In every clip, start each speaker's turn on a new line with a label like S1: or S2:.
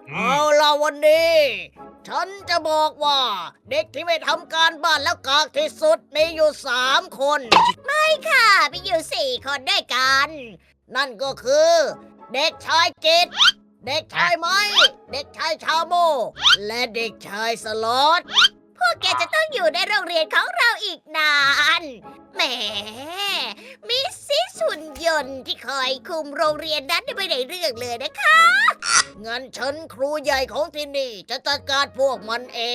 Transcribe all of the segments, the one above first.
S1: เอาล่ะวันนี้ ฉันจะบอกว่าเด็กที่ไม่ทำการบ้านแล้วกากที่สุดมีอยู่3 คน ไม่ค่ะมีอยู่4 คนด้วยกัน นั่นก็คือ เด็กชายกิตเด็กชายไม้เด็กชายชาโม และเด็กชายสล็อตพวกแกจะต้องอยู่ในโรงเรียนของเราอีกนานแหมมิสซิสหุ่นยนต์ที่คอยคุมโรงเรียนนั้นไม่ได้เรื่องเลยนะคะ งั้นฉันครูใหญ่ของที่นี่จะจัดการพวกมันเอง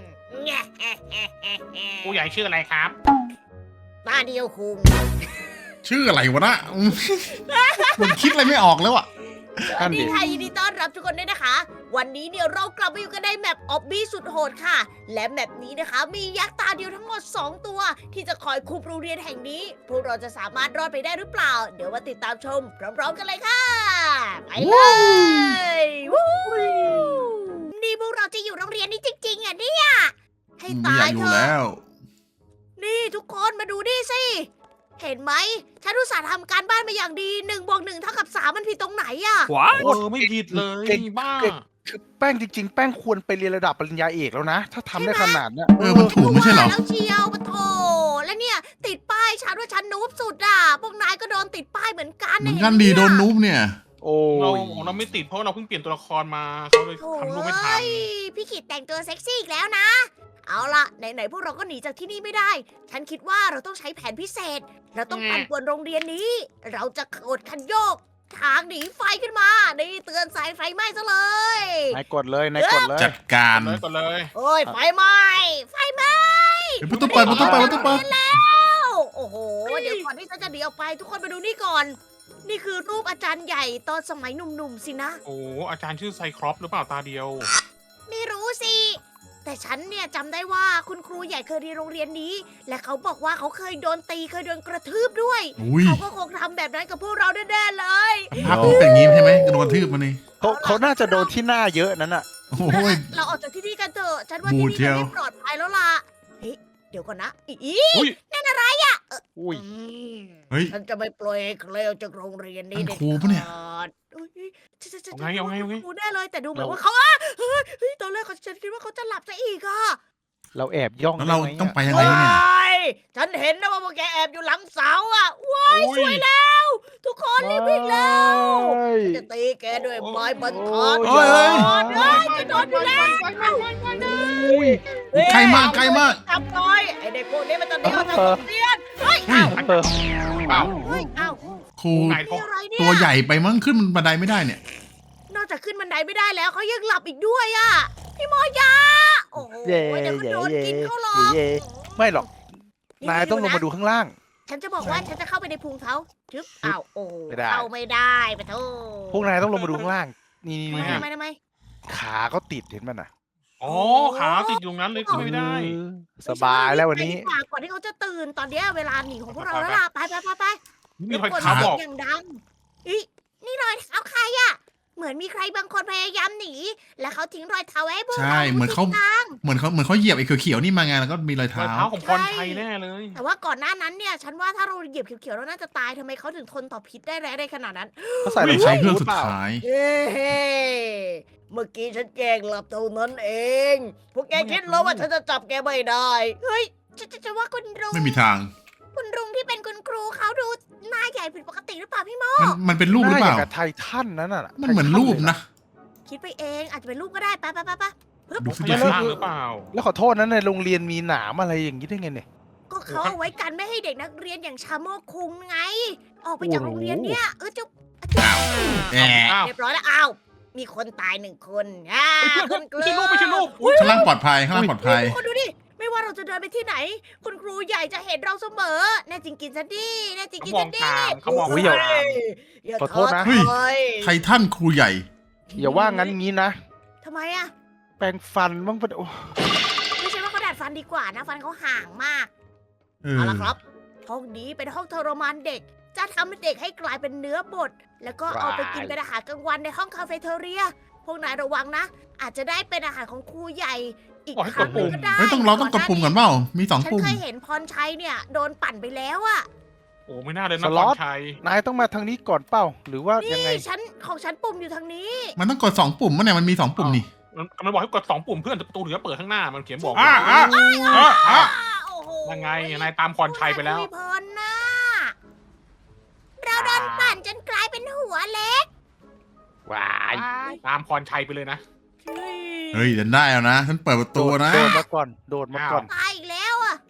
S2: ผู้ใหญ่ชื่ออะไรครับ
S1: ตาเดียวคุง
S3: ชื่ออะไรวะนะผมคิดอะไรไม่ออกแล้วอ่ะ
S1: สวัสดีค่ะยินดีต้อนรับทุกคนด้วยนะคะ วันนี้เนี่ยเรากลับมาอยู่กันในแมปออบบี้สุดโหดค่ะ และแมปนี้นะคะ มียักษ์ตาเดียวทั้งหมด 2 ตัว ที่จะคอยคุมโรงเรียนแห่งนี้ พวกเราจะสามารถรอดไปได้หรือเปล่า เดี๋ยวมาติดตามชมพร้อมๆกันเลยค่ะ ไปเลยวู้นี่พวกเราจะอยู่โรงเรียนนี้จริงๆอ่ะเนี่ยให้
S3: ไม่
S1: ตา
S3: อยาก
S1: ย
S3: อ
S1: เถ
S3: ยู่
S1: อะ
S3: แล้ว
S1: นี่ทุกคนมาดูนี่สิ เห็นไหมฉันอุตส่าห์ทำการบ้านมาอย่างดี1+1 เท่ากับ 3มันผิดตรงไหนอะ
S2: ไม่ผิดเลย
S4: เก่ง
S2: บ้า
S4: คือแป้งจริง ๆ แป้งควรไปเรียนระดับปริญญาเอกแล้วนะ ถ้าทำได้ขนาดเนี้ย
S3: มันถูกไม่ใช่เหรอ
S1: ว่าแล้วเชียวปะโถแล้วเนี่ย ติดป้ายฉันว่าฉันนูบสุดอะพวกนายก็โดนติดป้ายเหมือนกัน
S3: เหมือน
S1: เห็
S3: กัน
S1: ไหม
S3: ดีโดน
S1: เย
S3: นูบเนี่ย
S4: โอ้
S2: เรา
S4: ย
S2: ของเราไม่ติดเพราะเราเพิ่งเปลี่ยนตัวละครมาเขาเลย
S1: โถ่
S2: ทำรูปไม่ทัน
S1: เอ้ยพี่ขิดแต่งตัวเซ็กซี่อีกแล้วนะ เอาล่ะไหนๆพวกเราก็หนีจากที่นี่ไม่ได้ ฉันคิดว่าเราต้องใช้แผนพิเศษ เราต้องปั่นป่วนโรงเรียนนี้ เราจะกดคันโยก ทางหนีไฟขึ้นมา นี่เตือนสายไฟไหม้ซะเลย
S4: นายกดเลยนายกดเลย
S3: จัดการ
S2: ก่อนเลย
S1: โอ้ยไฟไหม้ไฟไหม้
S3: เดี๋ยวประตูเปิดประตูเปิดประตูเปิด
S1: แล้วโอ้โห เดี๋ยวก่อนที่ฉันจะหนีออกไป ทุกคนมาดูนี่ก่อน นี่คือรูปอาจารย์ใหญ่ตอนสมัยหนุ่มๆสินะ
S2: โอ้อาจารย์ชื่อไซครอปหรือเปล่าตาเดียว
S1: ไม่รู้สิ แต่ฉันเนี่ยจำได้ว่าคุณครูใหญ่เคยเรียนโรงเรียนนี้ และเขาบอกว่าเขาเคยโดนตีเคยโดนกระทืบด้วย
S3: อุ้ย
S1: เขาก็คงทำแบบนั้นกับพวกเราแน่ๆเลย
S3: ภาพมันเป็นอย่างงี้ใช่ไหมกระโดนกระทืบมานี่
S4: เขาน่าจะโดนที่หน้าเยอะนั้นอ่ะ
S3: โอ้ย
S1: เราออกจากที่นี่กันเถอะ ฉันว่า
S3: บู
S1: ที่
S3: ดเชี
S1: นี่
S3: ยว
S1: มันไม่ปลอดภัยแล้วล่ะ เฮ้ย เดี๋ยวก่อนนะ
S2: อุ้ย
S1: นั่นอะไรอ่ะ
S4: อุ้ย
S3: เฮ้ย
S1: ฉันจะไม่ปล่อยให้เคลวจากโรงเรียนนี้
S3: นั่น
S1: เด็ด
S3: ครูปะเนี่ย
S1: ขาดเอ้ยฉัน
S2: เอาไง
S1: ครูแน่เลย แต่ดูเหมือน
S4: เรา
S1: ว่าเขาเฮ้ยตอนแรกฉันคิดว่าเขาจะหลับซะอีกอ่ะ
S4: เราแอบย่อง
S3: แล้วเรา
S4: ได้ไหม
S3: ต้องไป
S4: อะ
S3: ยังไงเนี่ย
S1: ว้ายฉันเห็นนะว่าพวกแกแอบอยู่หลังเสาอ่ะว้ายสวยแล้ว ทุกคนรีบวิ่งแล้ว
S4: เฮ้ย
S1: จะตีแกด้วยไม้บรรทัด
S4: โอ้ย
S1: เฮ้ยจะโดนอยู่แล้ว
S4: อุ้ย
S3: ใกล้มากใกล้มาก
S1: ทำน้อยไอเด็กพวกนี้มันจะหนีออกจากโรงเรียนเฮ้ย
S3: อุ้ย
S4: เออ
S2: เปล่า
S1: เฮ้ยเอ้า
S3: ครู
S2: ไหน
S1: มีอะไรเนี่ย
S3: ตัวใหญ่ไปมั้งขึ้นบันไดไม่ได้เนี่ย
S1: นอกจากขึ้นบันไดไม่ได้แล้วเขายังหลับอีกด้วยอ่ะพี่โมยาโอ้โห
S4: เย่
S1: เดี๋ยวก็
S4: เย่
S1: โดน
S4: เย่
S1: กินเขาหรอก
S4: เย่ไม่หรอก นายต้องลงมาดูข้างล่าง
S1: ฉันจะบอกว่าฉันจะเข้าไปในพุงเขาจึ๊บอ้าวโอ้โห
S4: ไม่ได้
S1: เข้าไม่ได้ปะโถ
S4: พวกนายต้องลงมาดูข้างล่าง นี่นี่
S1: ทำไม
S4: นี่
S1: ทำไม
S4: ขาเขาติดเห็นมันอ่ะ
S2: อ๋อขาติดอยู่ตรงนั้นเลยขึ้นไม่ได้
S4: เออสบายแล้ววันนี้
S1: ไปดีกาก่อนที่เขาจะตื่นตอนเนี้ยเวลาหนีของพวกเราแล้วล่ะไปไป
S2: มีรอย
S1: คน
S2: เท้าบอก
S1: อย่างดังอีนี่รอยเท้าใครอะเหมือนมีใครบางคนพยายามหนี แล้วเขาทิ้งรอยเท้าไว้ให้พวก
S3: ใช่
S1: เรา
S3: เหมือนเขา
S1: ดูทิศทาง
S3: เหมือนเขาเหยียบไอ้เขียวๆนี่มาไงแล้วก็มีรอย
S2: รอ
S3: เท้า
S2: ยเท้าของพรชัยแน่เลย
S1: แต่ว่าก่อนหน้านั้นเนี่ย ฉันว่าถ้าเราเหยียบเขียวๆเราน่าจะตายทำไมเขาถึงทนต่อพิษได้แรงได้ขนาดนั้น
S4: เขาใส่รอง
S3: ใช้
S4: เท้า
S3: เครื่อง
S4: บูท
S3: สุด
S4: เปล่า
S3: ท้าย
S1: เฮ้เมื่อกี้ฉันแกล้งหลับเท่านั้นเอง พวกแกคิดแล้วว่าฉันจะจับแกไม่ได้ เฮ้ยจะว่าคุณลุง
S3: ไม่มีทาง
S1: คุณลุงที่เป็นคุณครูเขาดูหน้าใหญ่ผิดปกติหรือเปล่าพี่โม
S3: มันเป็นรูปหรือเปล่า
S4: น้ย่งกับไททันนั่นน่ะ
S3: มันเหมือนรูปนะ
S1: คิดไปเองอาจจะเป็นรูปก็ได้ไปปึ๊บ
S3: ดูสิ
S2: ไม่
S3: ดู
S2: ใช่
S3: สิ
S2: ล่างหรือเปล่า
S4: แล้วขอโทษนะในโรงเรียนมีหนามอะไรอย่างนี้ได้ไงเนี่ย
S1: ก็เขาเอาไว้กันไม่ให้เด็กนักเรียนอย่างชาโมกคุงไง ออกไปจากโรงเรียนเนี่ยจะ
S3: อ้าวแอะ
S2: อ้าว
S1: เรียบร้อยแล้วอ้าวมีคนตาย1 คนคุณก
S2: ไม่
S1: ลื
S2: ใช่รูปไม่ใช่รูปอุ๊ย
S3: ข้างล่างปลอดภัยข้างล่างปลอดภัย
S1: ทุกคนดูดิ ไม่ว่าเราจะเดินไปที่ไหน คุณครูใหญ่จะเห็นเราเสมอ แน่จริงกินซะดิแน่จริง
S2: เขา
S1: กิน
S2: มอ
S1: ซะ
S2: ง
S1: ดิ
S2: ตามเขามอง
S4: โอ้ยอย่า
S2: ตาม
S1: อย่า
S4: ขอโทษนะ
S1: ท้อถอย
S3: ไททันครูใหญ่
S4: อย่าว่างั้นงี้นะ
S1: ทำไมอะ
S4: แปรงฟันบ้างปะโอ้
S1: ไม่ใช่ว่าเขาดัดฟันดีกว่านะ ฟันเขาห่างมาก
S3: เออ
S1: เอาละครับ ห้องนี้เป็นห้องทรมานเด็ก จะทำให้เด็กให้กลายเป็นเนื้อบด แล้วก็เอาไปกินเป็นอาหารกลางวันในห้องคาเฟ่เทอเรีย พวกนายระวังนะ อาจจะได้เป็นอาหารของครูใหญ่อีกครั้งหนึ่งก็ได้
S3: เฮ้ยเราต้องกดปุ่มก่อนเปล่ามี2
S1: ฉัน
S3: ปุ่ม
S1: เคยเห็นพรชัยเนี่ยโดนปั่นไปแล้วอะ
S2: โอ้ไม่น่าเลยนะ
S4: สล็อต
S2: ชัย
S4: นายต้องมาทางนี้ก่อนเป้า หรือว่ายังไง
S1: นี่ของฉันปุ่มอยู่ทางนี้
S3: มันต้องกด2 ปุ่มมั้ยเนี่ยมันมี2 ปุ่มนี่
S2: มันบอกให้กด2 ปุ่มเพื่อนประตูถึงจะเปิดข้างหน้ามันเขียนบอก
S3: อ่ะ
S1: โอ้โห
S2: ยังไงนายตามพรชัยไปแล้ว
S1: พรนะเราโดนปั่นจนกลายเป็นหัวเล็ก
S4: ว้าย
S2: ตามพรชัยไปเลยนะ
S3: เฮ้ยเดินได้แล้วนะฉันเปิดประตูนะ
S4: โดดมาก่อน โดดมาก่อน
S1: ตายอีกแล้วอ่ะ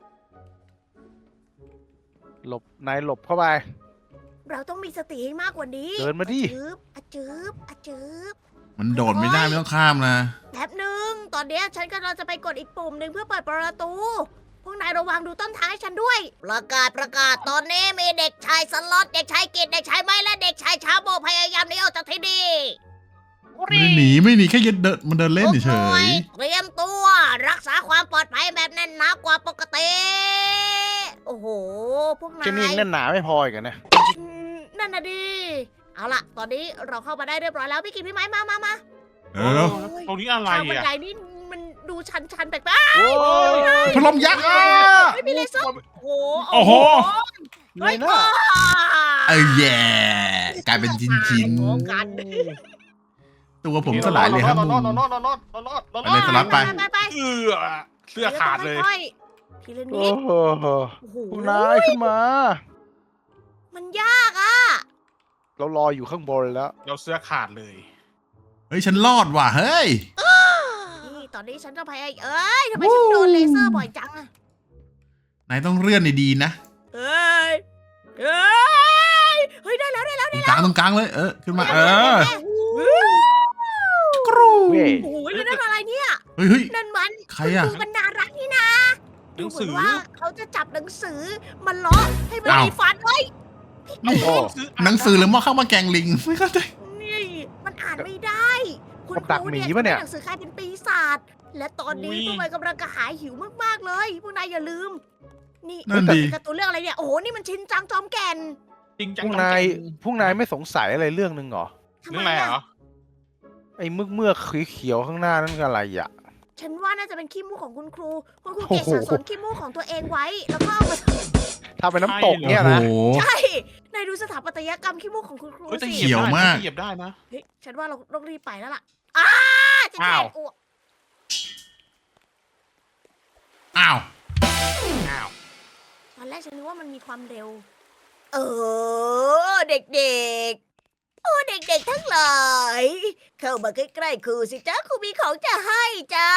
S4: หลบ นายหลบเข้าไป
S1: เราต้องมีสติให้มากกว่านี้
S4: เดินมาดิ
S1: อะจืบอะจืบ
S3: มันโดดไม่ได้ไม่ต้องข้ามนะ
S1: แป๊บหนึ่งตอนเนี้ยฉันกำลังจะไปกดอีกปุ่มหนึ่งเพื่อเปิดประตู พวกนายระวังดูต้นทางให้ฉันด้วย ประกาศตอนนี้มีเด็กชายสล็อตเด็กชายกิตเด็กชายไม้และเด็กชายชาโบพยายามหนีออกจากที่นี่
S3: ไม่ได้หนีไม่หนีแค่เดินมันเดินเล่น
S1: ทุก
S3: เฉ
S1: หน่วย
S3: ย
S1: เตรียมตัวรักษาความปลอดภัยแบบแน่นหนากว่าปกติ โอ้โห พวกนา
S4: แค่นี้
S1: ย
S4: แน่นหนาไม่พออีกเหรอเนี่ย
S1: นั่นน่ะดิ เอาล่ะ ตอนนี้เราเข้ามาได้เรียบร้อยแล้วพี่กินพี่ไม้มา
S3: ๆแล้ว
S2: ตรงนี้อะไร
S1: ทางบัน
S2: อ่ะ
S1: ไดนี่มันดูชันๆแปลก
S4: โอ้ย
S3: พัดลมยักษ์อ่ะ
S1: ๆไม่มีเลเซอร์โอ้
S3: โอ้โห
S1: เฮ้ย
S4: เลยนะ
S3: เอ้ยแย่กลายเป็นชิ้น
S1: โอ้กัน
S3: ๆตัวผมสลายเลยครับ
S2: รอด
S3: ไปเลยสลับไป
S1: ไป
S2: เสื้อขาดเลย
S1: ทีละ
S4: โอ้
S1: นิด
S4: โห
S1: โอ้โห
S4: พวกนายขึ้นมา
S1: มันยากอ่ะ
S4: เรารออยู่ข้างบนแล้ว
S2: เราเสื้อขาดเลย
S3: เฮ้ยฉันรอดว่ะเฮ้ย
S1: นี่ตอนนี้ฉันจะพยายามเอ้ยทำไมฉันโดนเลเซอร์บ่อยจังอะ
S3: นายต้องเลื่อนดีๆนะ
S1: เอ้ยเอ้ยเฮ้ยได้แล้ว
S3: ตรงกลางเลยขึ้นมากรู
S4: เว้ย
S1: โอ้ยนั่นอะไรเนี่ย
S3: เฮ้ย
S1: นั่นมัน
S3: ใครอะ
S1: ณครูบรรณารักษ์นี่นะ
S2: ห
S1: ดู
S2: นัง
S1: เหมื
S2: สื
S1: อน
S2: อ
S1: ว่าเขาจะจับหนังสือมาล้อให้มัน
S3: อ้าว
S1: มีฟันไว้
S4: โอ้โห
S3: หนังสือหรือหม้อข้าวมาแกงลิงไม่เข้าใจ
S1: นี่มันอ่านไม่ได้คุณ
S4: กับดัก
S1: ครู
S4: หมี
S1: เนี่ย
S4: ปะเนี่ย
S1: ทำให้หนังสือกลายเป็นปีศาจและตอนนี้พวกมันกำลังกระหายหิวมากๆเลยพวกนายอย่าลืม นี่
S3: นั่นดี
S1: การ์ตูนเรื่องอะไรเนี่ยโอ้โหนี่มันชินจังจอมแก่น
S2: จริงจั
S4: พ
S2: ง
S4: วกนายไม่สงสัยอะไรเรื่องหนึ่งเหรอ
S1: ทำ
S2: เรื่อง
S1: ไม
S2: อะไร
S1: อะ
S2: เหรอ
S4: ไอ้เมือกเขียวๆข้างหน้านั่นคืออะไรอ่ะ
S1: ฉันว่าน่าจะเป็นขี้มูกของคุณครูคุณครู
S4: โอ้
S1: เก็บ
S4: โห
S1: สะสมขี้มูกของตัวเองไว้ แล้วก็เอามา
S4: ถ้าเป็นน้ำตก
S3: โอ้
S4: เนี่ย
S3: โห
S4: นะ
S1: ใช่นายดูสถาปัตยกรรมขี้มูกของคุณครู
S2: เฮ้ยแต่
S1: สิ
S2: เหยียบ
S3: เขียว
S2: ได้
S3: มาก
S2: เหยียบได้นะ
S1: เฮ้ยฉันว่าเราต้องรีบไปแล้วล่ะจะแท
S2: อ้าว
S1: นอ้วก
S3: อ้าว
S2: อ้าว
S1: ตอนแรกฉันนึกว่ามันมีความเร็ว เด็กๆ โอ้เด็กๆทั้งหลายเข้ามาใกล้ๆครูสิจ้าครูมีของจะให้จ้า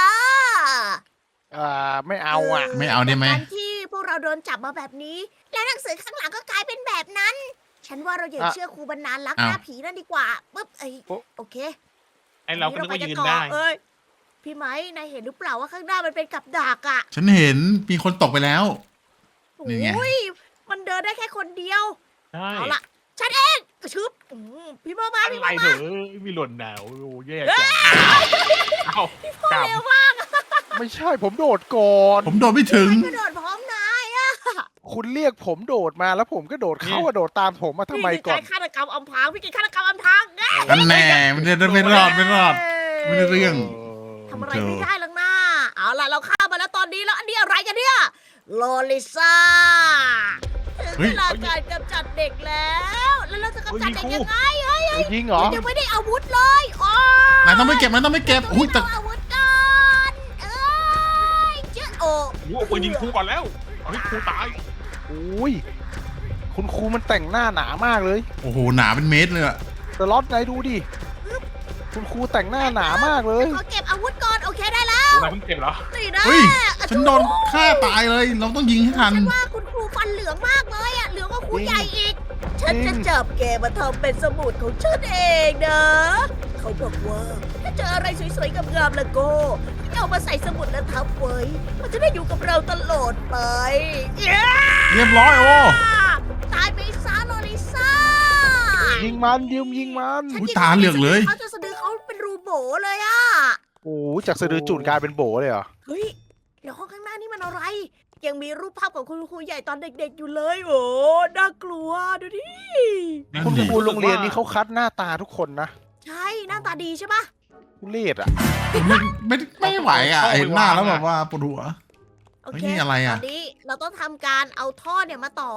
S4: ไม่เอาอ่ะ
S3: ไม่เอาได้ไหม
S1: จากการที่พวกเราโดนจับมาแบบนี้ และหนังสือข้างหลังก็กลายเป็นแบบนั้น ฉันว่าเราอย่า
S4: อ่ะ
S1: เชื่อครูบรรณารักษ์
S3: อ้าว
S1: หน้าผีนั่นดีกว่าปุ๊บโอเค
S2: ไอเราก็นึกว่ายืน
S1: ต่อ
S2: ได้
S1: เอ้ยพี่ไม้นายเห็นหรือเปล่าว่าข้างหน้ามันเป็นกับดักอ่ะ
S3: ฉันเห็นมีคนตกไปแล้ว นี่ไง
S1: โอ้ยมันเดินได้แค่คนเดียว
S2: ใช่
S1: เอาล่ะ ฉันเองชึบพี่มา
S2: อะ
S1: พี่
S2: ไร
S1: มา
S2: เถอะมีหล่นหนาวโอ้แย่จังเอ้า
S1: พ่อก
S2: ลับ
S1: เร็วมาก
S4: ไม่ใช่ผมโดดก่อน
S3: ผมโดดไม่ถึง
S1: กระโดดพร้อมนายอะ
S4: คุณเรียกผมโดดมาแล้วผมก็โดดเขาก็โดดตามผมมาทำไม
S1: นี่
S4: ก่
S1: คือ
S4: อน
S1: การฆาตกรรมอำพรางพี่กินฆาตกรรมอำพรางไง
S3: อันแน่มันจะไม่รอดไม่ได้เรื่อง
S1: ทำอะไรไม่ได้หรอกนะเอาล่ะเราฆ่ามาแล้วตอนนี้แล้วอันนี้อะไรกันเนี่ยโลลิซ่าถึง
S3: เฮ้
S1: เวย ลาการกำจัดเด็กแล้วเราจะกำจัดเด็กยังไง
S4: ยิงเหรอ
S1: ยังไม่ได้อาวุธเลยอ๋อน
S3: ายต้องไม่เก็บอุ้ยแต่
S1: เอาอาวุธก่อนเอ้ยเจ้าโอ้
S2: โอ้โหปืนยิงครูก่อนแล้วเอาให้ครูตาย
S4: อุ้ยคุณครูมันแต่งหน้าหนามากเลย
S3: โอ้โหหนาเป็นเมตรเลยอะ
S4: สล็อตนายดูดิ คุณครูแต่งหน้าหนามากเลย
S1: ขอเก็บอาวุธก่อนโอเคได้แล้ว
S2: เราเพิ่งเก็บเหรอ
S1: นี่นะ
S3: เฮ้ยฉันโดนฆ่าตายเลย เราต้องยิงให้ทัน
S1: ฉันว่าคุณครูฟันเหลืองมากเลยอ่ะเหลืองกว่าครู
S4: จริง
S1: ใหญ่อีก ฉัน
S4: จริ
S1: จะ
S4: ง
S1: จับแกมาทำเป็นสมุดของฉันเองนะ เขาบอกว่าถ้าเจออะไรสวยๆงามๆแล้วก็ให้เอามาใส่สมุดแล้วทับไว้ มันจะได้อยู่กับเราตลอดไปเย้
S3: เรียบร้อยโอ้
S1: ตายไปซะโลลิซ่า
S4: ยิงมันยิงมัน
S3: อุ๊ยตาเหลือกเลย
S1: เขาจะสะดือเขาเป็นรูโบเลยอ่ะ
S4: โอ้จากสะดือจุดกลายเป็นโบเลยเหรอ
S1: เฮ้ยแล้วห้องข้างหน้านี่มันอะไร ยังมีรูปภาพของคุณครูใหญ่ตอนเด็กๆอยู่เลย โอ้น่ากลัวดูดิ
S3: นั่น
S4: คุณ
S3: ดิ
S4: ครูโรงเรียนนี้เขาคัดหน้าตาทุกคนนะ
S1: ใช่หน้าตาดีใช่ปะ
S4: ทุเรศอ่ะ
S3: ไม่ไหวอ่ะเห็นหน้าแล้วแบบว่าปวดหัว
S1: โอ
S3: เฮ้ย
S1: เค
S3: นี่อะไรอะ
S1: ตอนนี้เราต้องทำการเอาท่อเนี่ยมาต่อ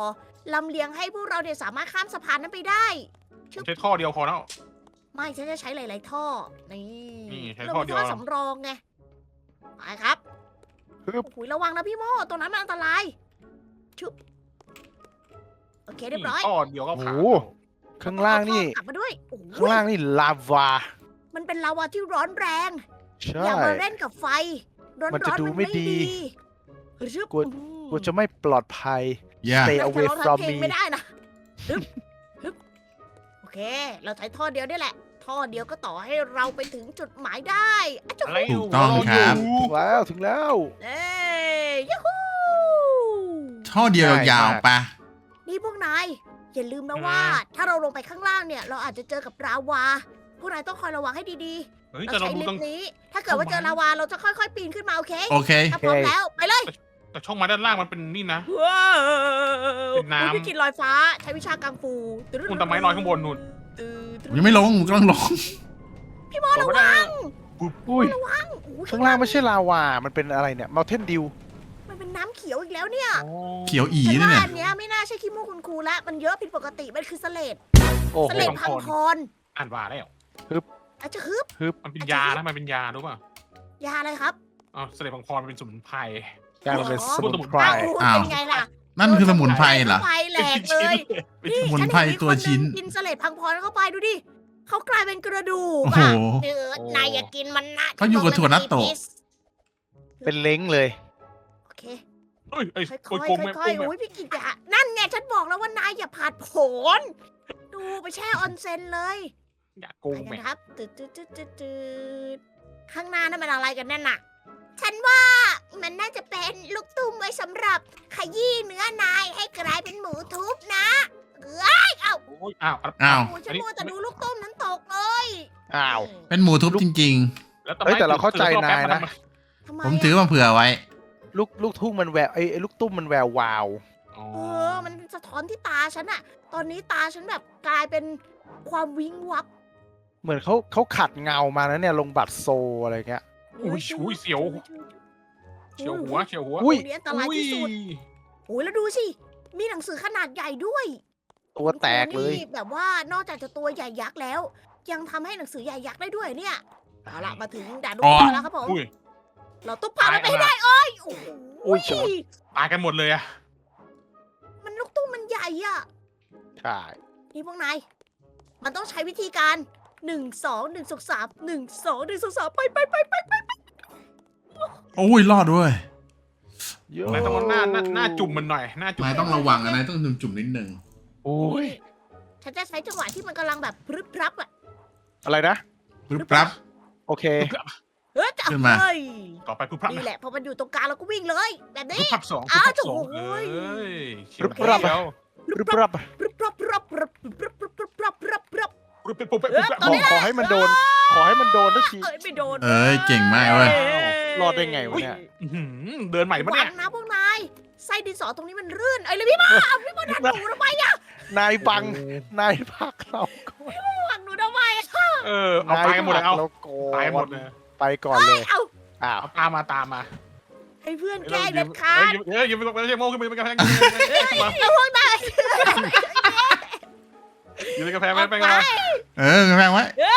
S1: ลำเลียงให้พวกเราเนี่ยสามารถข้ามสะพานนั้นไปได้
S2: ผมใช้ท่อเดียวพอแล้ว
S1: ไม่ฉันจะใช้หลาย ๆ ท่อ นี่
S2: นี่ใช้
S1: เรา
S2: ท่อ
S1: มี
S2: เดียว
S1: ท่อสำรองไง ไปครับ
S4: ฮึบ
S1: โอ้ยระวังนะพี่โมตรงนั้นมันอันตราย ชุบ โอเคเรียบร้อย
S2: ท่อเดียวก็
S4: โอ้
S2: ผ่าน
S4: โห ข้างล่างนี่
S1: เอท่อกลับมาด้วยโอ้โห
S4: ข้างล่างนี่ลาวา
S1: มันเป็นลาวาที่ร้อนแรง
S4: ใช่
S1: อย่ามาเล่นกับไฟ ร้อน
S4: มัน
S1: ๆ
S4: จะดูไม่ดี
S1: ชึบ
S4: กลัว กูจะไม่ปลอดภัย
S3: Yeah.
S4: Stay
S1: น่าจะ
S4: away
S1: ร้องทั้
S4: from
S1: งเพลง
S4: me
S1: ไม่ได้นะฮึบฮึบโอเค เราใช้ท่อเดียวนี่แหละ ท่อเดียวก็ต่อให้เราไปถึงจุดหมายได้อะจุ๊บ
S2: อะไร
S3: ถูกต้องครับ
S4: ถึงแล้ว
S1: เอ้ยยูฮู
S3: ท่อเดียวยาวๆปะ
S1: นี่พวกนาย อย่าลืมนะว่า ถ้าเราลงไปข้างล่างเนี่ย เราอาจจะเจอกับลาวา พวกนายต้องคอยระวังให้ดี
S2: เฮ้ย
S1: ๆ เรา
S2: แต่เรา
S1: ใช้
S2: ดู
S1: ลิ
S2: ต้
S1: ฟ
S2: อง
S1: ต์นี้ ถ้าเกิดว่าเจอลาวาเราจะค่อยๆ ปีนขึ้นมาโอเค
S3: โอเค
S1: ถ้าพร้อมแล้วไปเลย
S2: แต่ช่องมาด้านล่างมันเป็นนี่นะ
S1: ว้าว
S2: เป็นน้ำ
S1: อุ๊ยพี่กินลอยฟ้า ใช้วิชากังฟู
S2: คุณตะไม้ลอยข้างบนนู่น
S3: ผมยังไม่ลงผมกำลังลง
S1: พี่โมระวัง
S4: อุ้ย
S1: ระวังโอ้ย
S4: ข้างล่างไม่ใช่ลาวา มันเป็นอะไรเนี่ย Mountain Dew
S1: มันเป็นน้ำเขียวอีกแล้วเนี่ย
S3: เขียวอี
S1: ฉัน
S3: นี่
S1: ว่า
S3: เนี่ย
S1: อันเนี้ยไม่น่าใช่ขี้มูกคุณครูแล้วมันเยอะผิดปกติ มันคือเสลด
S4: โอ้โห
S1: เสลดพังพร
S2: อ่านว่าแล้ว
S1: อาจจะฮึบ
S2: มันเป็นยานะมันเป็นยารู้ป่ะ
S1: ยาอะไรครับ
S2: อ๋อเสด็จพังพรมันเป็นสมุนไพร
S4: กลายมาเป็นสมุนไพร
S1: อ้าว
S3: อ้าว
S1: เป็นไงล่ะ
S3: นั่นคือสมุนไพรเหรอ
S1: ไฟแหลกเลย
S3: สมุนไพรตัวชิ้น
S1: ฉัเห็มีคหงกินเสลดพังพรเข้าไปดูดิเขากลายเป็นกระดูก
S3: โอ้โห
S1: อะเนื้อนายอย่ากินมันนะ
S3: เขาอยู่กับถั่วนัตโตะ
S4: เป็นเล้งเลย
S1: โอเค
S2: เฮ้ยไอ้
S1: ค่
S2: โก
S1: อย
S2: ยโกง
S1: ๆ
S2: แม่
S1: ค่อยๆ
S2: โกง
S1: โอ้ยพี่กิจอะนั่นไงฉันบอกแล้วว่านายอย่าผาดโผนดูไปแช่ออนเซ็นเลย
S2: อย่าโก
S1: ไป
S2: ง
S1: กั
S2: แม่
S1: นครับตืดข้างหน้านั่นมันอะไรกันแน่นน่ะ ฉันว่ามันน่าจะเป็นลูกตุ้มไว้สำหรับขยี้เนื้อนายให้กลายเป็นหมูทุบนะเอ้ยเอ้า
S2: โอ้ยอ้าว
S3: อ้าว
S1: โอ้ยฉันมัวแต่ดูลูกตุ้มนั้นตกเลย
S4: อ้าว
S3: เป็นหมูทุบจริง
S2: แล้ว
S4: เฮ้ยแต่เราเข้าใจนายนะ
S1: ทำไม
S3: ๆ ผมถือมาเผื่อไว้
S4: ลูกทุ่งมันแววไอ้ลูกตุ้มมันแวววาว
S2: อ๋อ
S1: มันสะท้อนที่ตาฉันอะตอนนี้ตาฉันแบบกลายเป็นความวิงวับ
S4: เหมือนเขาขัดเงามาแล้วเนี่ยลงบัตรโซอะไรเงี้ย
S2: อุ้ยเสียวเฉียวหัวเฉียวหัว
S4: อุ้ย
S1: ตรงนี้อันตรายที่สุดโอ้ยแล้วดูสิ มีหนังสือขนาดใหญ่ด้วย
S4: ตัวแตกเลย
S1: นี่แบบว่านอกจากจะตัวใหญ่ยักษ์แล้ว ยังทำให้หนังสือใหญ่ยักษ์ได้ด้วยเนี่ยเอาล่ะมาถึงด่านลูก
S3: อ๋อ
S1: ตาแล้วครับผม
S2: อุ้ย
S1: เราต้องผ่านมันไปให้ได้โอ้ยโอ้โห
S4: อุ้ยเฉียว
S2: ตายกันหมดเลยอะ
S1: มันลูกตุ้มมันใหญ่อะ
S4: ใช่
S1: นี่พวกนายมันต้องใช้วิธีการ1 2 1 2 3 1 2 1 2 3ไป
S3: โอ้ยรอดด้วย
S4: โย่
S2: นายต้องเอาหน้าจุ่มมันหน่อยหน้าจุ่ม
S3: นายต้องระวังนะนายต้องจุ่มๆนิดนึง
S4: โอ้ย
S1: ฉันจะใช้จังหวะที่มันกำลังแบบพรึบพรับอะ
S4: อะไรนะ
S3: ปึ๊บปั๊บ
S4: โอเค
S1: เฮ้ยจะ
S3: ขึ้นมา
S1: เฮ้ย
S2: ต่อไปปุ๊บพรับ
S1: นี่แหละพอมันอยู่ตรงกลางเราก็วิ่งเลย แบบนี้
S2: ปุ๊บพรับสอง
S1: อ้าว
S2: ปุ๊บพรับสอง
S1: โอ้ย
S2: เอ้ยเฉียว
S4: ปุ๊บพรับ
S2: เฉียว
S4: รึบรับ
S1: พรึบพรับพรับพรับพรับพรับพรับพรับพรับพรับ
S2: ปุ๊บปุ๊บปุ๊บปุ๊บ
S1: ตอนนี้นะ
S4: ขอให้มันโดน ขอให้มันโดนทุกที
S1: เอ้ยไม่โดน
S3: เอ้ยเก่งมากเว้ย
S4: รอดได้ไงวะเนี่ย
S2: อื้อหือเดินใหม่ปะ
S1: ห
S2: เนี่
S1: วั
S2: ย
S1: งนะพวกนายไส้ดินสอตรงนี้มันรื่นเอ้ยเลยพี่มาพี่มาดันหนูทำไมอะ
S4: นายบัง นายพักเราก่อน
S1: หวังหนูทำไมอะ
S2: เอาตายกันหมดเลยเอา
S4: เราก่อน
S2: ตายหมดเลย
S4: ไปก่อนเลย
S1: เอา
S4: อ้าว
S2: เอาตามมา
S1: ให้เพื่อนแกล้งเด็ดขาด
S2: อย่าไปใช้โม่ขึ้นไปเป็นกระแพง
S1: แล้วพวกนาย
S2: อยู่ในกระแพงไป
S1: ไป
S2: กันมา
S3: แพงไว้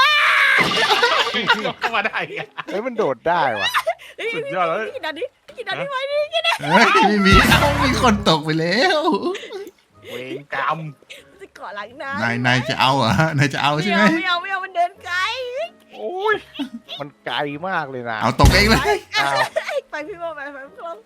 S2: เข้ามาได้
S4: เฮ้ยมันโดดได้ว่ะ
S2: สุดยอดเลย
S1: พี่ดันนี่พี่ดันนี่ไว้
S3: เอ้ยไม่มีเอ้ามีคนตกไปแล้ว
S2: เวงกรรม
S1: จะเกาะหลังนะ
S3: นายจะเอาเหรอนายจะเอาใช่ไหม
S1: ไม่เอามันเดินไกล
S2: โอ้ย
S4: มันไกลมากเลยนะ
S3: เอาตกเองเลย
S4: อ้าว
S1: ไปพี่โมไปพี่โม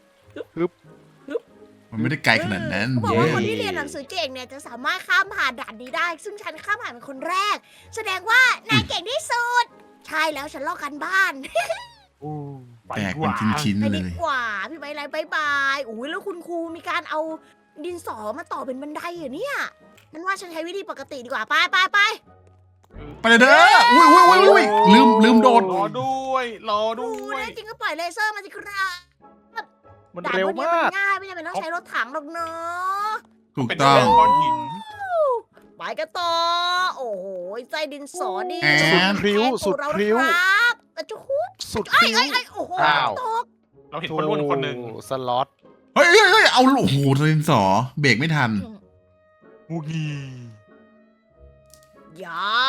S3: มันไม่ได้ไกลขนาดนั้น
S1: เขาบอก
S3: เย้
S1: ว่าคนที่เรียนหนังสือเก่งเนี่ยจะสามารถข้ามผ่านด่านนี้ได้ ซึ่งฉันข้ามผ่านเป็นคนแรก แสดงว่านายเก่งที่สุด ใช่แล้วฉันลอกกันบ้าน
S2: ไป
S3: แตก
S2: ก
S3: เป็น
S2: ว่า
S3: ชิ้น
S1: ไป
S3: ๆเล
S1: ดี
S3: ย
S1: กว่าพี่ใบไลบายบายอุ้ยแล้วคุณครูมีการเอาดินสอมาต่อเป็นบันไดเหรอเนี่ยนั่นว่าฉันใช้วิธีปกติดีกว่าไป
S3: ไปเลยเด้ออุ้ยลืมโดด
S2: รอด้วยรอ
S1: ดู
S2: ด้วย
S1: นะจริงก็ปล่อยเลเซอร์มาสิครับ
S4: มัน
S1: ด่าน
S4: เร็ว
S1: พวกนี้
S4: มา
S1: มั
S4: ก
S1: นง่ายไม่จำเป็นต้องใช้รถถังหรอกเนาะ
S3: ถูก
S2: เป็น
S3: ต้อง
S2: ก้อนหิน
S1: ไปกันต่อ โอ้โหใจดินสอนี่
S3: แอน
S4: สุดพริ้ว
S1: แทน
S4: สุด
S1: เรา
S4: พริ้ว
S1: นะครับอะจุ๊บ
S4: สุด
S1: ไอ้
S4: พริ้ว
S1: ไอ้โอ้โห
S4: อ้าว
S1: ตก
S2: เราเห็นคนรุ่นคนหนึ่ง
S4: สล็อต
S3: เฮ้ยเอาโอ้โหดินสอเบรกไม่ทัน
S2: บูกี
S1: อย่า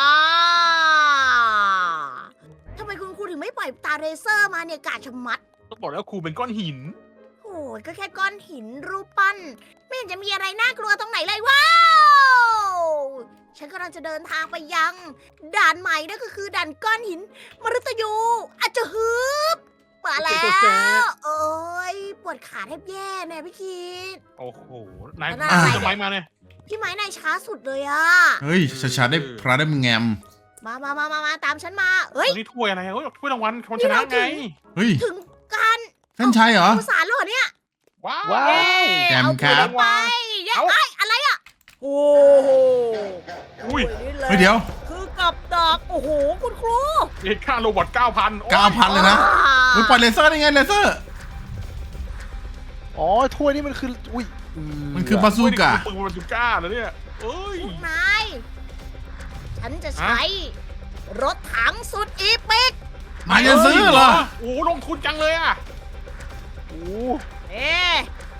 S1: ทำไมคุณครูถึงไม่ปล่อยตาเรเซอร์มาเนี่ยกาชะมัด
S2: ต้องบอกแล้วครูเป็นก้อนหิน
S1: โอ้ยก็แค่ก้อนหินรูปปั้น ไม่เห็นจะมีอะไรน่ากลัวตรงไหนเลยว้าว ฉันกำลังจะเดินทางไปยัง ด่านใหม่นั่นก็คือด่านก้อนหินมฤตยูอาจจะฮึบมาแล้ว โอ้ยปวดขาแทบแย่เนี่ยพี่คิด
S2: โอ้โหนาย
S1: แล้วนาย
S2: ทำไมมาเนี่ย
S1: พี่ไม้นายช้าสุดเลยอะ
S3: เฮ้ยช้าๆได้พระได้มึงแงม
S1: มาตามฉันมา เฮ้ย
S2: นี่ถ้วยอะไรเฮ้ยถ้วยรางวัลคนชนะไง
S3: เฮ้ย
S1: ถึงการ
S3: เส้นชัยเหรอ
S1: ผู้สารแล้วเหรอเนี่ย
S2: ว้าว
S4: ว้าว
S3: แจมครับ
S1: เอาไปเย้
S2: เอา
S1: ไอ้ยอะไรอะโอ้โห
S2: อุ้ย
S1: นี่แหละ
S3: เฮ้ยเดี๋ยว
S1: คือกับดักโอ้โหคุณครู
S2: เอ็ดค่าโรบอท 9,000
S3: 9,000 เลยนะมึงปล่อยเลเซอร์ได้ไงเลเซอร์
S4: อ๋อถ้วยนี่มันคืออุ้ย
S3: มันคือบาซูก้า
S2: ปืนบาซูก้าเหรอเนี่ยเอ้ย
S1: พวกนายฉันจะใช้รถถังสุดอีปิก
S3: นายจะซื้อเหรอ
S2: โอ้โหลงทุนจังเลยอ่ะ
S4: โอ้
S1: เอ๊ะ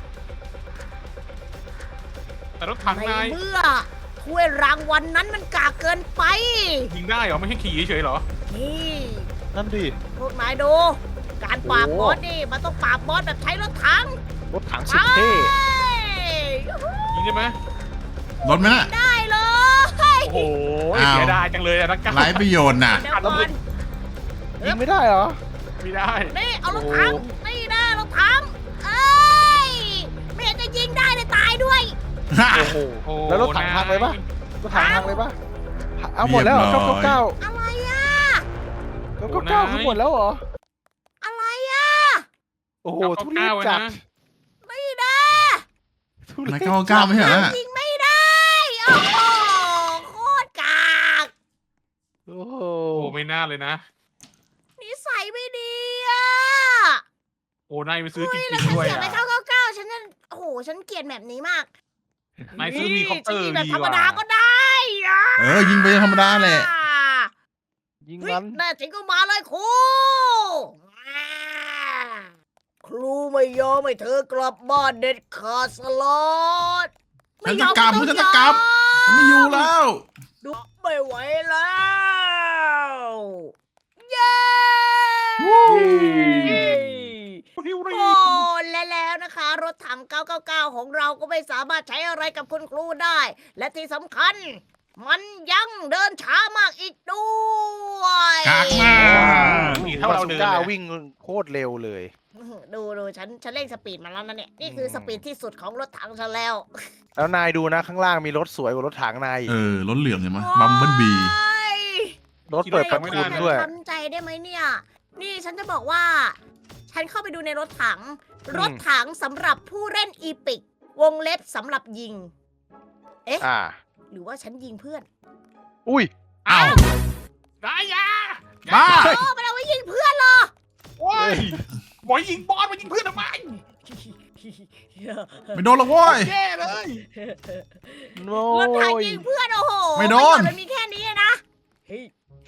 S2: แต่รถถัง
S1: ใน
S2: นาย
S1: เมื่อถ้วยรางวัลนั้นมันกากเกินไป
S2: ยิงได้เหรอไม่ใช่ขี่เฉยๆเหรอ
S1: นี่
S4: นั่นดิ
S1: พวกนายดู การปราบบอสนี่มันต้องปราบบอสแบบใช้รถถัง
S4: รถถังสุดเท่
S1: ยูฮู
S2: ยิงได้ไหม
S3: รถไหมน่ะ
S1: ได้เลย
S2: โอ้โห
S3: อ้าว
S2: เสียดายจังเลยอะนักการ
S3: ไร้ประโยชน์น่ะ
S1: เดี๋ยวก่อน
S4: ยิงไม่ได้เหรอ
S2: ไม่ได้
S1: นี่เอารถถัง
S4: โอ้
S1: นี่นะรถถังเอ้ยไม่เห็นจะยิงได้เลยตายด้วย
S4: โอ้โห
S2: โอ้
S4: แล้วรถถังพังเลยปะ รถถังพังเลยปะเอาหมดแล้วเหรอ
S3: เรียบร้อย
S4: เก้า
S1: อะไรอะ
S4: เก้าคือหมดแล้วเหรอ
S1: อะไรอะ
S4: โอ้โห
S2: 999
S4: ทุเรศจัด
S2: นะ
S1: ไม่ได้
S4: ทุเร
S3: นาย
S4: ศ
S3: 999ไม่ใช่เหรอ
S1: ยิงไม่ได้โอ้โหโคตรกาก
S4: โอ้โห
S2: โอ้ไม่น่าเลยนะ
S1: นิสัยไม่ดีอะ
S2: โอ้นายไปซื้อจริ
S1: เฮ้ย
S2: ง
S1: แล้วฉัน
S2: ๆด้วย
S1: เสีย
S2: อะ
S1: ไป999ฉันจะโอ้โหฉันเกลียดแบบนี้มาก
S2: นายซื้อมีคอปเตอร์
S1: ฉันยิงแบบ
S2: ดี
S1: ธรร
S2: ก
S1: ม
S2: ว่า
S1: ดาก็ได้อะ
S3: ยิงไปธรรมดาแหละ
S4: ยิง
S1: เฮ้ย
S4: มัน
S1: แน่จริงก็มาเลยครูอ่าครูไม่ยอมให้เธอกลับบ้านเด็ดขาดสลอด
S3: ฉันจะกลับฉันจะกลับ ฉันไม่อยู่แล้ว
S1: ดูไม่ไหวแล้วเย้
S2: ฮิวรี
S1: โอ้และแล้วนะคะ รถถัง 999 ของเราก็ไม่สามารถใช้อะไรกับคุณครูได้ และที่สำคัญ มันยังเดินช้ามากอีกด้วย
S3: กากมาก
S2: มีเท่าเราเดิน
S4: บซูก้
S2: เลย
S4: วิ่งโคตรเร็วเลย
S1: ดูฉันเร่งสปีดมาแล้วนะเนี่ย นี่คือสปีดที่สุดของรถถังฉันแล้ว
S4: แล้วนายดูนะข้างล่างมีรถสวยกว่ารถถังนาย
S3: รถเหลืองเห็นไหมบัมเบิลบี
S1: โอ้ย
S4: รถเปิดประทุนด้วย
S1: ทำใจได้ไหมเนี่ย นี่ฉันจะบอกว่า ฉันเข้าไปดูในรถถัง รถถังสำหรับผู้เล่นอีปิก วงเล็บสำหรับยิง
S4: อ่า
S1: หรือว่าฉันยิงเพื่อน
S4: อุ้ย
S3: อ้าว
S2: ได้ยา
S3: บ้า
S1: โอ้มันเอาไว้ยิงเพื่อนเหรอ
S2: โอ้ยบอยยิงบอลมายิงเพื่อนทำไม
S3: ไม่โดนหรอกเว้ย
S2: แย่เลย
S4: โน้
S1: รถถัง
S4: ย
S1: ยิงเพื่อนโอ้โห
S3: ไม่โดน
S1: มันมีแค่นี้นะเฮ้ย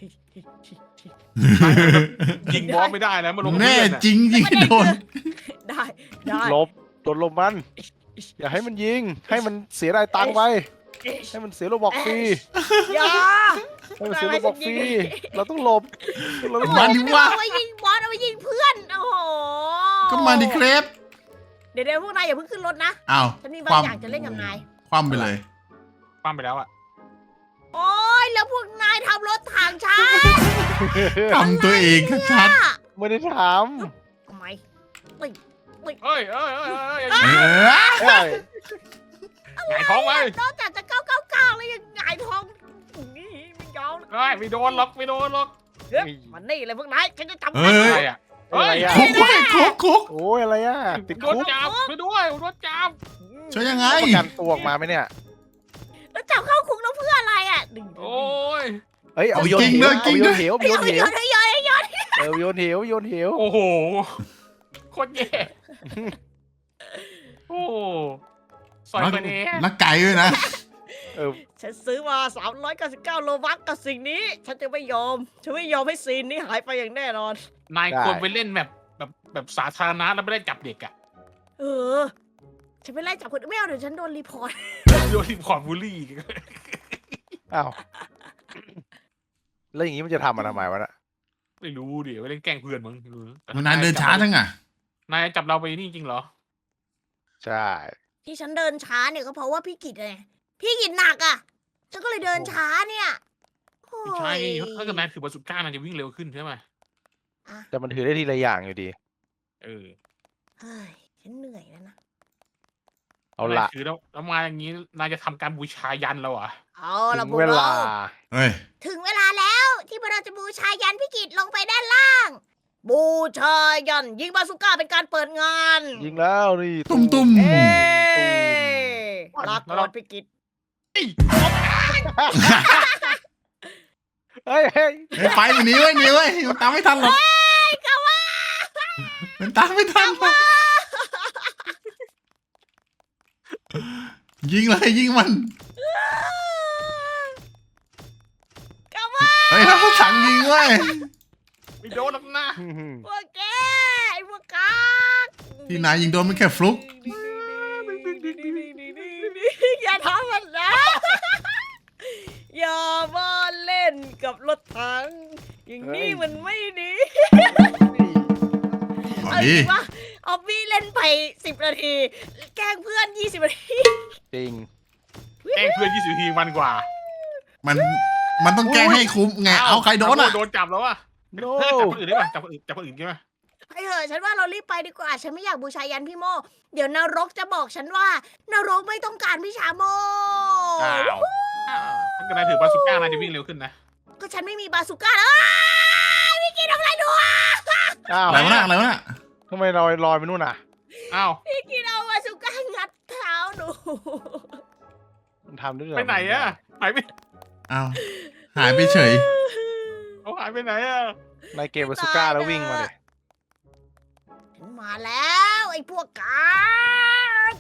S2: ยิงบอลไม่ได้แล้วมันลง
S3: แน่
S2: เพื่อนอะ
S3: จริงยิงไม่โดน
S1: ได้ได้
S4: ลบโดนลมมัน อย่าให้มันยิง ให้มันเสียรายตังค์ไป ให้มันเสียโลบอกฟรี
S1: อย่า
S4: ให้มันเสียโลบอกฟรี เราต้องหลบเราต้องหล
S3: มา
S4: บ
S3: ดิวะ
S1: เอาไว้ยิงบอลเอาไว้ยิงเพื่อนโอ้โห
S3: ก็มาดิเครป
S1: เดี๋ยวพวกนายอย่าเพิ่งขึ้นรถนะ
S3: อ้าว
S1: ฉันมี
S3: ค
S1: บาง
S3: วาม
S1: อย่างจะเล่นกับนาย
S3: ความไปเลย
S2: ปั้มไปแล้วอ่ะ
S1: โอ้ยแล้วพวกนายทำรถถังช้า
S3: ทำตัวเองชัด
S4: ไม่ได้ถาม
S1: ทำไม
S2: เอ้ย
S3: ๆเออ
S4: ใช่
S2: หงายท้องไว้
S1: นอกจากจะ999แล้วยังหงายท้องนี่ไม่ยอม
S2: เอ้ยไม่โดนหรอกไม่โดนหรอก
S1: เฮ้ยมันนี่เลยพวกนายฉันจะจับ
S3: เฮ้
S1: มัน
S3: ย
S2: อะไรอ่ะ
S4: อะไรอ่ะ
S3: คุกเว้ยคุก
S4: โอ้ยอะไรอ่ะ ติด
S2: โด
S4: คุ
S2: น
S4: ก
S2: จับไปด้วยโดนจับ
S3: ช่วยยังไง
S4: ประกันตัวออกมาไหมเนี่ย
S1: แล้วจับเข้าคุกแล้วเพื่ออะไรอ่ะดึง
S2: โอ้ย
S4: เฮ้ย เอาไปโยน
S3: จริง
S4: เห
S3: ด้
S4: ว
S3: วย
S4: เอาไปโยนเหวเอาไปโยนเหว
S1: เฮ้ย
S4: เออโยนเหวโยนเหว
S2: โอ้โหโคตรแย่โอ้ซอยไปเนี่ย
S3: แล้วไก่ด้วยนะ
S4: เออ
S1: ฉันซื้อมา399โลบัคกับสิ่งนี้ ฉันจะไม่ยอม ฉันไม่ยอมให้ซีนนี้หายไปอย่างแน่นอน
S2: นายควรไปเล่นแบบสาธารณะแล้วไม่ได้จับเด็กอ่ะ
S1: เออ ฉันไปไล่จับคนอื่นไม่เอาเดี๋ยวฉันโดนรีพอร์ต
S2: โดนทีมขอดบูลลี่อีก
S4: อ้าวแล้วอย่างนี้มันจะทำมาทำไมวะน่ะ
S2: ไม่รู้ดิไม่เล่นแกล้งเพื่อนมั้งไม่รู้ะ
S3: มันนายเดินช้าจังอ่ะ
S2: นายจับเราไปนี่จริงเหรอ
S4: ใช่
S1: ที่ฉันเดินช้าเนี่ยก็เพราะว่าพี่กิตไงพี่กิตหนักอ่ะฉันก็เลยเดินช้าเนี่ยโอ้
S2: ไม่ใช่
S1: ย
S2: ถ้าเกิดนายถือบาสุก้านายจะวิ่งเร็วขึ้นใช่ไหม
S4: แต่มันถือได้ทีละอย่างอยู่ดี
S2: เออ
S1: เฮ้ยฉันเหนื่อยแล้วนะ
S4: เอาละ
S2: นยถือแล้วมาอย่างนี้นายจะทำการบูชายันเราเหรอ่ะ
S1: เอาละ
S4: ถึง
S1: พวก
S4: เว
S1: เรา
S4: ลา
S3: เฮ้ย
S1: ถึงเวลาแล้วที่พวกเราจะบูชายันพี่กิตลงไปด้านล่าง บูชายันยิงบาสุก้าเป็นการเปิดงาน
S4: ยิงแล้วนี่
S3: ตุ้ม
S1: เอ้ลา
S2: แล้ว
S1: ก่
S2: เรา
S1: อนพี่กิต
S4: เฮ้ยเฮ้ย
S3: เฮ้ยไปหนีไว้ยหนีไว้ยมันตามไม่ทันหรอกมันตามไม่ทันหรอกยิงเลยยิงมัน เฮ้ยเราสั่งยิงเว้ย
S2: ไม่โดนหรอกนะ
S1: พวกแกไอ้พวกกาก
S3: ที่นายยิงโดนมันแค่ฟลุก
S1: อย่าทำมันนะ อย่ามาเล่นกับรถถังอย่างนี้มันไม่ดี
S3: อ๋อ
S1: เอาจ
S3: ดี
S1: ริงปะออบบี้เล่นไป10 นาที แกล้งเพื่อน20 นาที
S4: จริง
S2: แกล้งเพื่อน20 ทีมันกว่า
S3: มันต้องแกล้งให้คุ้มไง เอาใครโดนอ่ะ
S2: โดนจับแล้วอ่ะ
S4: โน
S2: จับคนอื่นได้ป่ะจับคนอื่นได้ป่ะ
S1: ไปเถอะฉันว่าเรารีบไปดีกว่า ฉันไม่อยากบูชายันพี่โม เดี๋ยวนรกจะบอกฉันว่า นรกไม่ต้องการพี่ชาโม
S2: อ้าวถ้าเกิดนายถือบาสุก้านายจะวิ่งเร็วขึ้นนะ
S1: ก็ฉันไม่มีบาสุก้าแล้วอ้ายพี่กินทำอะไรดูอ่ะ
S4: อ้าว
S3: อะไรวะน่ะอะไรวะน่ะ
S4: ทำไมลอยไปนู่นน่ะ
S2: อ้าว
S1: พี่กินเอาบาสุก้างัดเท้าหนู
S4: มันทำด้วยเหรอ
S2: ไปไหนอ่ะหายไป
S3: เอาหายไปเฉย
S2: เขาหายไปไหนอ่ะ
S4: ในเกมบาซูก้าแล้ววิ่งมาเลย
S1: ฉันมาแล้วไอ้พวกกาก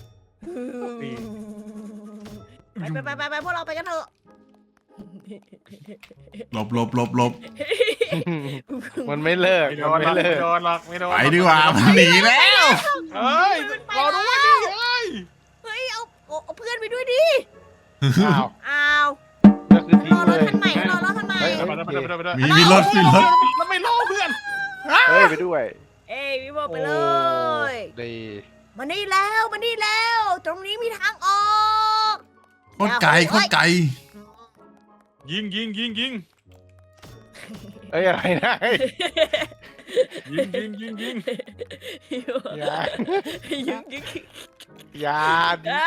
S1: ไปพวกเราไปกันเถอะ
S3: หลบหลบหลบหลบ
S4: มันไม่เลิก
S2: ไม่โด
S4: มัน
S2: นหร
S4: ไม่
S2: อก
S4: เลิ
S2: ไม่
S4: ก
S2: โดนหรอกไม่โดน
S3: ไปดีกว่ามันหนีแล้ว
S2: เฮ้ยรอด้วยดิเฮ้ย
S1: เฮ้ยเอาเพื่อนไปด้วยดิ
S4: อ้าว
S1: อ้าว
S4: ก็คือทิ้
S1: รง อร
S4: เล
S1: ถ
S4: ย
S1: คันใหม่รอรถคันใหม่
S4: เฮ้ย
S2: ไปด้วย
S3: มีรถมีรถ
S2: แล้วไม่รอเพื่อน
S4: เฮ้ยไปด้วย
S1: เอ้ยพี่โมไปเลย
S4: ดี
S1: มานี่แล้วมานี่แล้ว ตรงนี้มีทางออก
S3: โคตรไกลโคตรไกล
S2: ยิง
S4: เอ้ยอะไรนะเฮ้ย
S2: ยิง
S4: อย่า
S1: ยิง
S4: อย่าดิ
S1: อ้า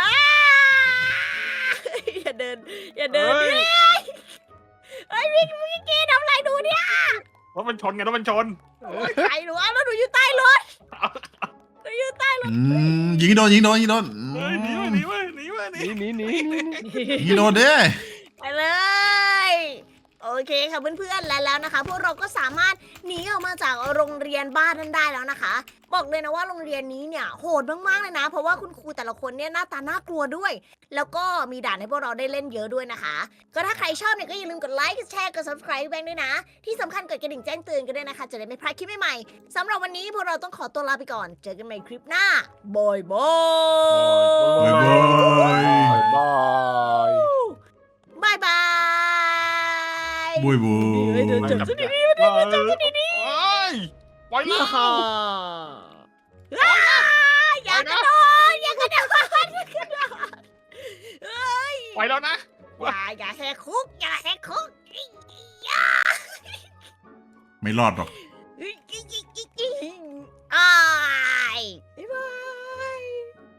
S1: อย่าเดินอย่าเดินดิเฮ้ยพี่กี้ทำอะไรดูเนี่ย
S2: รถมันชนไงรถมันชน
S1: ใครหนูเอาแล้วหนูอยู่ใต้รถหนูอยู่ใต้รถ
S3: ยิงโดนยิงโดนยิงโดน
S2: เฮ้ยหนีหนี
S4: หนี
S3: ยิงโดนเด้
S1: ไปเลย โอเคค่ะเพื่อนๆแล้วนะคะ พวกเราก็สามารถหนีออกมาจากโรงเรียนบ้านนั้นได้แล้วนะคะ บอกเลยนะว่าโรงเรียนนี้เนี่ยโหดมากๆเลยนะ เพราะว่าคุณครูแต่ละคนเนี่ยหน้าตาน่ากลัวด้วย แล้วก็มีด่านให้พวกเราได้เล่นเยอะด้วยนะคะ ก็ถ้าใครชอบเนี่ยก็อย่าลืมกดไลค์กดแชร์กด subscribe แบงค์ด้วยนะ ที่สำคัญกดกระดิ่งแจ้งเตือนกันด้วยนะคะ จะได้ไม่พลาดคลิปใหม่ๆสำหรับวันนี้พวกเราต้องขอตัวลาไปก่อน เจอกันใหม่คลิปหน้าบายบาย
S3: บายบาย
S4: บาย
S1: บายบาย
S3: บุยบุ
S1: เฮ้ยเดิน
S3: ย
S1: จับซะดี
S2: เฮ้ยปล่อย
S1: ๆ
S2: แล้ว
S1: ฮ่าอย่ากระโดดอย่ากระโดดเฮ้ย
S2: ปล่อยแล้วนะ
S1: อย่าแหกคุกอย่าแหกคุก
S3: ไม่รอดหรอก